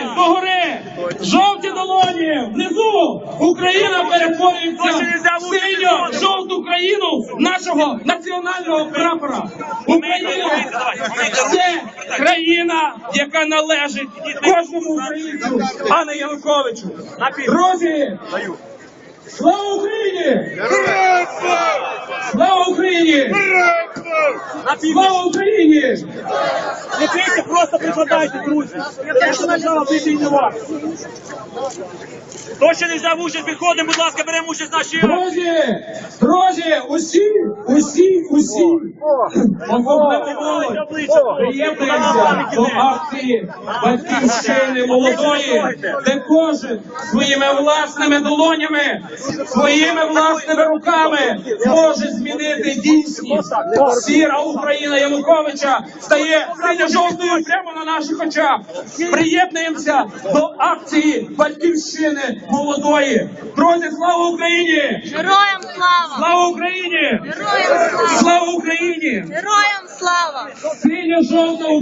догори! Жовті долоні! Внизу Україна перетворюється в синьо-жовту країну нашого національного прапора. Україна – це країна, яка належить кожному українцю, а не Януковичу. Друзі, слава Україні! Слава Україні! Слава Україні! Не бійте, просто прикладайте, друзі. Те, що нажала, бити і не вас. Хто ще не взяв участь, підходимо, будь ласка, беремо участь в нашій... Друзі, усі, приєднуємося до акції Батьківщини молодої, де кожен своїми власними долонями, своїми власними руками може змінити дійсність. Сіра Україна Януковича стає синьо-жовтою прямо на наших очах. Приєднуємося до акції Батьківщини молодої. Друзі, слава Україні! Героям слава! Слава Україні! Героям слава! Слава Україні! Героям слава! Синьо-жовта